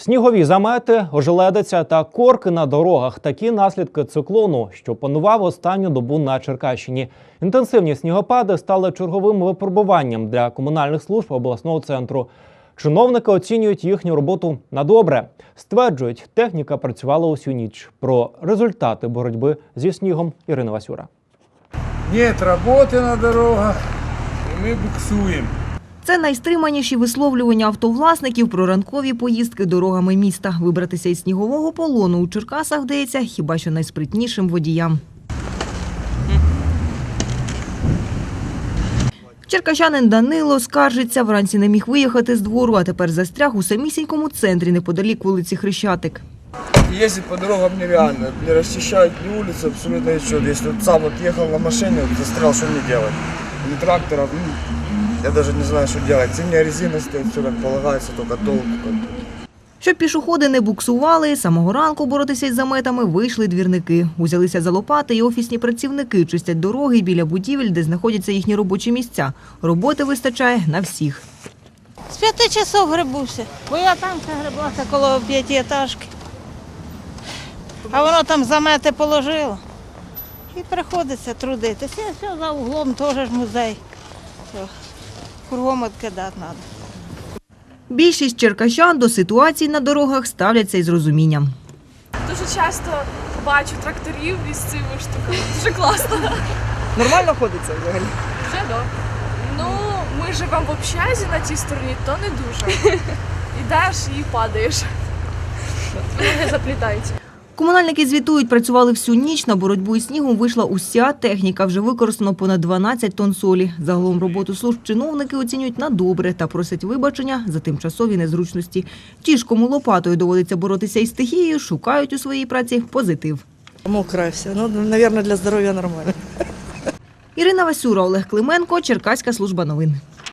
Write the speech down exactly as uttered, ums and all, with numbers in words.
Снігові замети, ожеледиця та корки на дорогах – такі наслідки циклону, що панував останню добу на Черкащині. Інтенсивні снігопади стали черговим випробуванням для комунальних служб обласного центру. Чиновники оцінюють їхню роботу на добре. Стверджують, техніка працювала усю ніч. Про результати боротьби зі снігом Ірина Васюра. Нет роботи на дорогах, і ми буксуємо. Це найстриманіші висловлювання автовласників про ранкові поїздки дорогами міста. Вибратися із снігового полону у Черкасах вдається хіба що найспритнішим водіям. Черкащанин Данило скаржиться, вранці не міг виїхати з двору, а тепер застряг у самісінькому центрі, неподалік вулиці Хрещатик. Ездить по дорогам нереально, не расчищают ни улицы, абсолютно ничего. Если вот сам вот ехал на машине, вот застрял, что мне делать? Ни трактора, ну, я даже не знаю, что делать. Зимняя резина стоит, все как полагается, только толку. Щоб пішоходи не буксували, самого ранку боротися із заметами вийшли двірники. Узялися за лопати і офісні працівники чистять дороги біля будівель, де знаходяться їхні робочі місця. Роботи вистачає на всіх. З п'яти часов грибуся, бо я там грибалася коло п'ятиэтажки. А воно там замети положило. І приходиться трудитися. І все, за углом теж ж музей. Все. Кругом відкидати треба. Більшість черкащан до ситуації на дорогах ставляться із розумінням. Дуже часто бачу тракторів із цими штуками. Дуже класно. Нормально ходиться взагалі? Вже да. Ну, ми живемо в общазі на тій стороні, то не дуже. Ідеш і падаєш. Ноги заплітаються. Комунальники звітують, працювали всю ніч, на боротьбу із снігом вийшла уся техніка, вже використано понад дванадцять тонн солі. Загалом роботу служб чиновники оцінюють на добре та просять вибачення за тимчасові незручності. Ті ж, кому лопатою доводиться боротися із стихією, шукають у своїй праці позитив. Мокре все, ну, мабуть, для здоров'я нормально. Ірина Васюра, Олег Клименко, Черкаська служба новин.